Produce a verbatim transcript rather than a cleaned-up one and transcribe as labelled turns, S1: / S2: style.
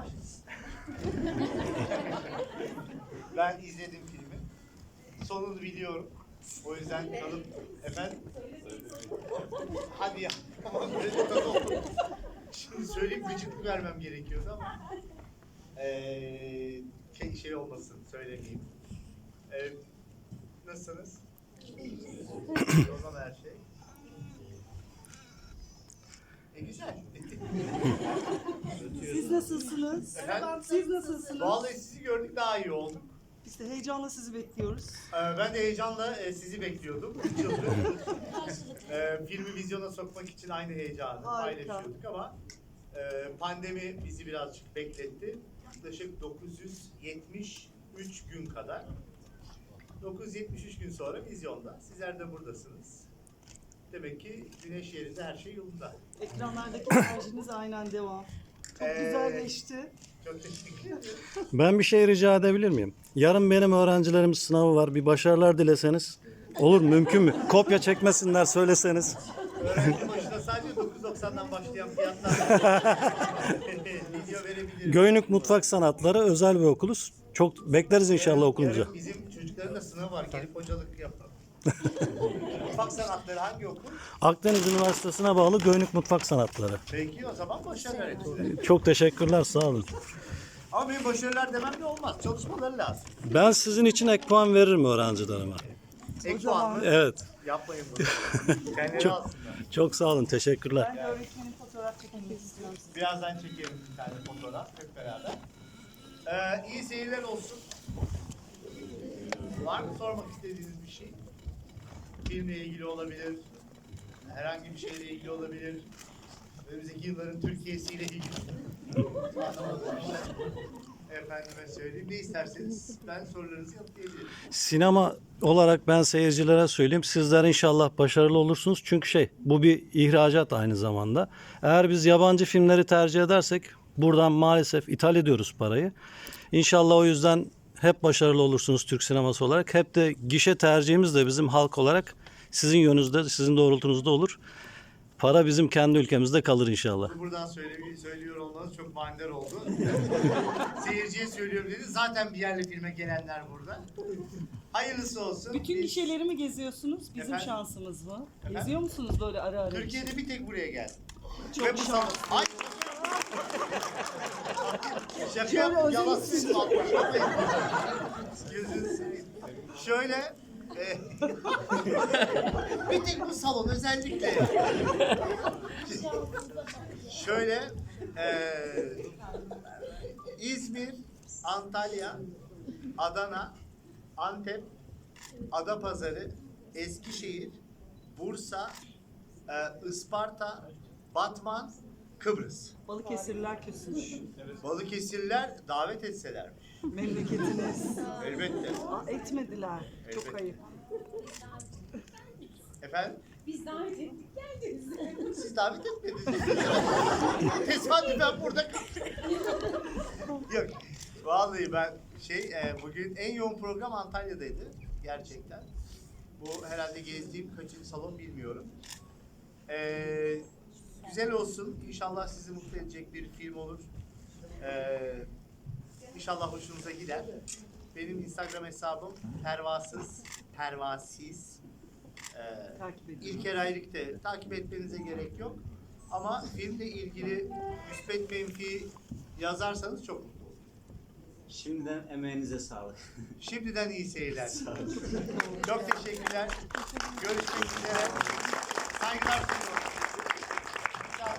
S1: Aşız. Ben izledim filmi. Sonunu biliyorum. O yüzden kalıp efendim. Hadi ya. Tamam, böyle tadı oldu. Şimdi söyleyip gıcıklık vermem gerekiyordu ama ee, şey olmasın, söylemeyeyim. Ee, nasılsınız? O zaman her şey. E güzel.
S2: Siz nasılsınız?
S1: Efendim?
S2: Siz nasılsınız?
S1: Vallahi sizi gördük daha iyi olduk.
S2: Biz de heyecanla sizi bekliyoruz.
S1: Ee, ben de heyecanla e, sizi bekliyordum. Üç yıldır. e, filmi vizyona sokmak için aynı heyecanı
S2: Harika.
S1: paylaşıyorduk ama e, pandemi bizi birazcık bekletti. Yaklaşık dokuz yüz yetmiş üç gün kadar. dokuz yüz yetmiş üç gün sonra vizyonda. Sizler de buradasınız. Demek ki güneş yerinde her şey yolunda.
S2: Ekranlardaki enerjiniz aynen devam. Çok
S1: Ee,
S2: güzel geçti.
S1: Çok teşekkür ederim.
S3: Ben bir şey rica edebilir miyim? Yarın benim öğrencilerimin sınavı var. Bir başarılar dileseniz. Olur mu? Mümkün mü? Kopya çekmesinler söyleseniz.
S1: Öğrenci başına sadece dokuz yüz doksandan başlayan fiyatlar video verebilirim.
S3: Göynük Mutfak Sanatları özel bir okuluz. Çok bekleriz inşallah okulunuza.
S1: Yarın bizim çocukların da sınavı var. Gelip hocalık yapalım. Mutfak sanatları hangi okul?
S3: Akdeniz Üniversitesi'ne bağlı Göynük Mutfak Sanatları.
S1: Peki o zaman başarılar hepsine.
S3: Çok teşekkürler, sağ olun.
S1: Ama benim başarılar demem de olmaz. Çalışmaları lazım.
S3: Ben sizin için ek puan veririm öğrencilerime.
S1: Ek puan mı?
S3: Evet.
S1: Yapmayın bunu. Kendileri
S3: Çok-
S1: alsınlar.
S3: Çok sağ olun, teşekkürler.
S2: Ben de öğretmenin fotoğraf çekmek istiyorum size.
S1: Birazdan çekelim bir tane fotoğraf hep beraber. Ee, iyi seyirler olsun. Var mı sormak istediğiniz bir şey? Filmle ilgili olabilir. Herhangi bir şeyle ilgili olabilir. Önümüzdeki yılların Türkiye'siyle ilgili. Anlamadığım işler. Efendime söyleyeyim. Ne isterseniz ben sorularınızı yanıtlayabilirim.
S3: Sinema olarak ben seyircilere söyleyeyim. Sizler inşallah başarılı olursunuz. Çünkü şey, bu bir ihracat aynı zamanda. Eğer biz yabancı filmleri tercih edersek buradan maalesef ithal ediyoruz parayı. İnşallah o yüzden hep başarılı olursunuz Türk sineması olarak. Hep de gişe tercihimiz de bizim halk olarak sizin yönünüzde, sizin doğrultunuzda olur. Para bizim kendi ülkemizde kalır inşallah.
S1: Buradan söyle, söylüyor olmanız çok manidar oldu. Seyirciye söylüyorum dedi. Zaten bir yerli filme gelenler burada. Hayırlısı olsun.
S2: Bütün
S1: Biz
S2: gişeleri mi geziyorsunuz? Bizim
S1: Efendim?
S2: şansımız mı?
S1: Efendim?
S2: Geziyor musunuz böyle ara ara?
S1: Türkiye'de bir tek buraya geldim.
S2: Çok
S1: Ve bu
S2: şanslı.
S1: salon- Ay! Şaka
S2: Şöyle
S1: yap,
S2: özel
S1: yalan
S2: misin?
S1: atmış. Gözünü seveyim. Şöyle e, bir tek bu salon özellikle. Şöyle e, İzmir, Antalya, Adana, Antep, Adapazarı, Eskişehir, Bursa, e, Isparta, Batman, Kıbrıs.
S2: Balıkesirliler küsmüş.
S1: Balıkesirliler davet etselermiş.
S2: Memleketiniz.
S1: Elbette.
S2: Aa, etmediler. Çok
S1: Elbette.
S2: ayıp.
S1: Efendim?
S4: Biz davet ettik geldiniz.
S1: Siz davet etmediniz. Tesadüfen burada kaldım. Yok. Vallahi ben şey e, bugün en yoğun program Antalya'daydı. Gerçekten. Bu herhalde gezdiğim kaçıncı salon bilmiyorum. Ee, güzel olsun. İnşallah sizi mutlu edecek bir film olur. Ee, İnşallah hoşunuza gider. Benim Instagram hesabım pervasız, pervasiz. Ee,
S2: Takip edin.
S1: İlker Ayrık'te takip etmenize gerek yok. Ama filmle ilgili müspet menfi yazarsanız çok mutlu olurum.
S5: Şimdiden emeğinize sağlık.
S1: Şimdiden iyi seyirler. Çok teşekkürler. Görüşmek üzere. Saygılar sunuyorum.